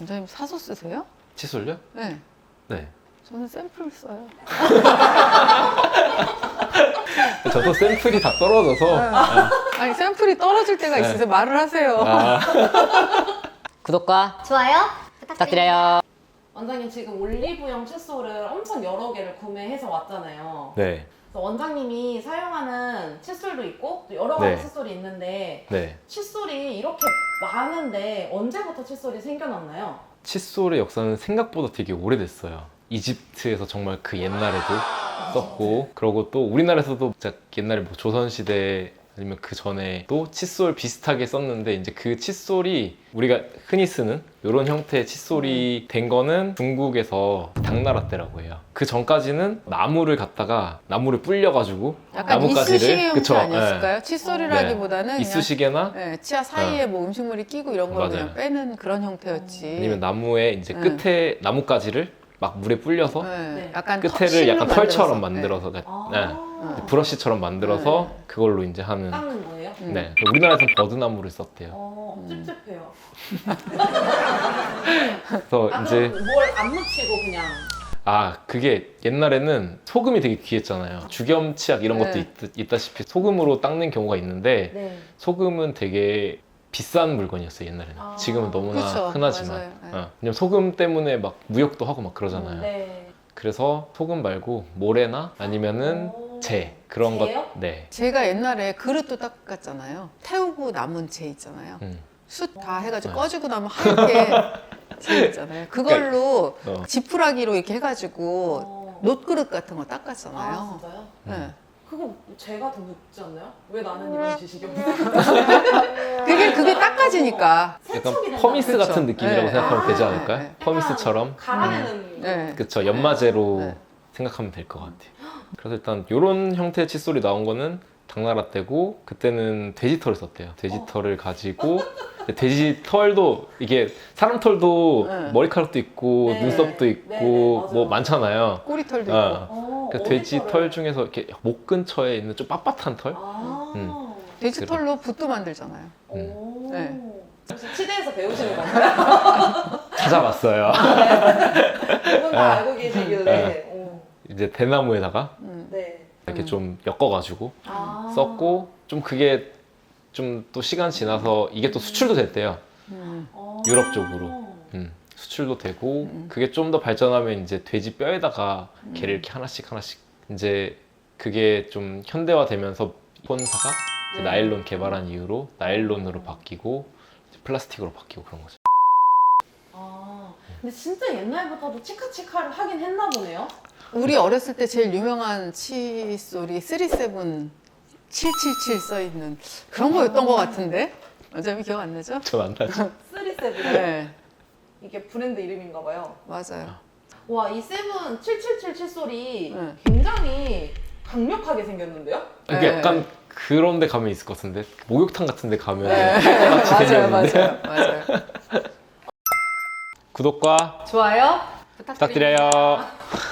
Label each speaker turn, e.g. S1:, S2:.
S1: 원장님 사서 쓰세요?
S2: 칫솔요?
S1: 네.
S2: 네.
S1: 저는 샘플 써요.
S2: 저도 샘플이 다 떨어져서.
S1: 아니 샘플이 떨어질 때가 있어서 말을 하세요.
S3: 구독과
S4: 좋아요
S3: 부탁드려요.
S5: 원장님 지금 올리브영 칫솔을 엄청 여러 개를 구매해서 왔잖아요.
S2: 네.
S5: 그래서 원장님이 사용하는 칫솔도 있고 또 여러 가지
S2: 네.
S5: 칫솔이 있는데
S2: 네.
S5: 칫솔이 이렇게 많은데 언제부터 칫솔이 생겨났나요?
S2: 칫솔의 역사는 생각보다 되게 오래됐어요. 이집트에서 정말 그 옛날에도 썼고, 그리고 또 우리나라에서도 진짜 옛날에 뭐 조선시대 아니면 그 전에도 칫솔 비슷하게 썼는데, 이제 그 칫솔이 우리가 흔히 쓰는 이런 형태의 칫솔이 된 거는 중국에서 당나라 때라고 해요. 그 전까지는 나무를 불려가지고
S1: 약간
S2: 나뭇가지를,
S1: 이쑤시개 형태
S2: 그쵸,
S1: 아니었을까요? 칫솔이라기보다는 그냥
S2: 이쑤시개나
S1: 네, 치아 사이에 뭐 음식물이 끼고 이런 걸 그냥
S2: 맞아요.
S1: 빼는 그런 형태였지.
S2: 아니면 나무의 이제 끝에 나뭇가지를 막 물에 불려서
S5: 네.
S1: 약간
S2: 끝에를
S1: 실로
S2: 약간 털처럼 만들어서
S5: 아,
S2: 브러쉬처럼 만들어서
S1: 네.
S2: 그걸로 이제 하는.
S5: 닦는 거예요?
S2: 네. 우리나라에서는 버드나무를 썼대요.
S5: 찝찝해요.
S2: 그래서 이제
S5: 그럼 뭘 안 묻히고 그냥
S2: 그게 옛날에는 소금이 되게 귀했잖아요. 주겸 치약 이런 것도
S1: 네.
S2: 있다시피 소금으로 닦는 경우가 있는데,
S5: 네.
S2: 소금은 되게 비싼 물건이었어요, 옛날에는.
S5: 아.
S2: 지금은 너무나
S1: 그쵸,
S2: 흔하지만.
S1: 맞아요. 네.
S2: 왜냐면 소금 때문에 막 무역도 하고 막 그러잖아요.
S5: 네.
S2: 그래서 소금 말고 모래나 아니면은 재 그런 것.
S5: 재요?
S2: 네.
S1: 제가 옛날에 그릇도 닦았잖아요. 태우고 남은 재 있잖아요. 숯 다 해가지고 꺼지고 나면 하얗게 재 있잖아요. 그걸로
S2: 어.
S1: 지푸라기로 이렇게 해가지고
S5: 어.
S1: 노트그릇 같은 거
S5: 아
S1: 닦았잖아요.
S5: 진짜요?
S1: 네.
S5: 그거 제가 더 묻지 않나요? 왜 나는 이런 지식이 없는
S1: 그게 닦아지니까.
S2: 약간
S5: 세척이
S2: 퍼미스
S1: 그쵸.
S2: 같은 느낌이라고
S1: 네.
S2: 생각하면 되지
S5: 아,
S2: 않을까요?
S1: 네.
S2: 퍼미스처럼.
S5: 갈아내는
S1: 네.
S2: 그쵸, 연마제로
S1: 네.
S2: 생각하면 될 것 같아요. 그래서 일단 이런 형태의 칫솔이 나온 거는 당나라 때고, 그때는 돼지 털을 썼대요. 돼지 털을 가지고 돼지 털도 이게 사람 털도
S1: 네.
S2: 머리카락도 있고
S5: 네.
S2: 눈썹도 있고
S5: 네, 네, 맞아요.
S2: 뭐 많잖아요.
S1: 꼬리털도
S2: 어.
S1: 있고.
S2: 그 돼지 털 중에서 이렇게 목 근처에 있는 좀 빳빳한 털?
S1: 돼지털로 붓도 만들잖아요.
S5: 오.
S1: 네.
S5: 혹시 치대에서 배우시는 건가요?
S2: 찾아봤어요.
S5: 두분 다 알고 계시길래. 오.
S2: 이제 대나무에다가
S5: 네.
S2: 이렇게 좀 엮어가지고
S5: 아.
S2: 썼고, 좀 그게 좀 또 시간 지나서 이게 또 수출도 됐대요.
S5: 어.
S2: 유럽 쪽으로. 수출도 되고, 그게 좀 더 발전하면 이제 돼지 뼈에다가 걔를 이렇게 하나씩 이제 그게 좀 현대화되면서 폰사가 이제
S5: 네.
S2: 나일론 개발한 이후로 나일론으로 바뀌고 이제 플라스틱으로 바뀌고 그런 거죠.
S5: 아. 근데 진짜 옛날부터도 치카치카를 하긴 했나 보네요.
S1: 우리 어렸을 때 제일 유명한 칫솔이 37 777 써있는 그런 거였던 것 같은데? 어차피 기억 안 나죠?
S2: 저 안 나죠?
S5: 37.
S1: 네,
S5: 이게 브랜드 이름인가 봐요.
S1: 맞아요.
S5: 와, 이 세븐 777 칫솔이
S1: 네.
S5: 굉장히 강력하게 생겼는데요?
S2: 이게
S1: 네.
S2: 약간 그런 데 가면 있을 것 같은데, 목욕탕 같은 데 가면 같이
S1: 맞아요,
S2: 생겼는데.
S1: 맞아요.
S2: 구독과
S1: 좋아요
S2: 부탁드려요.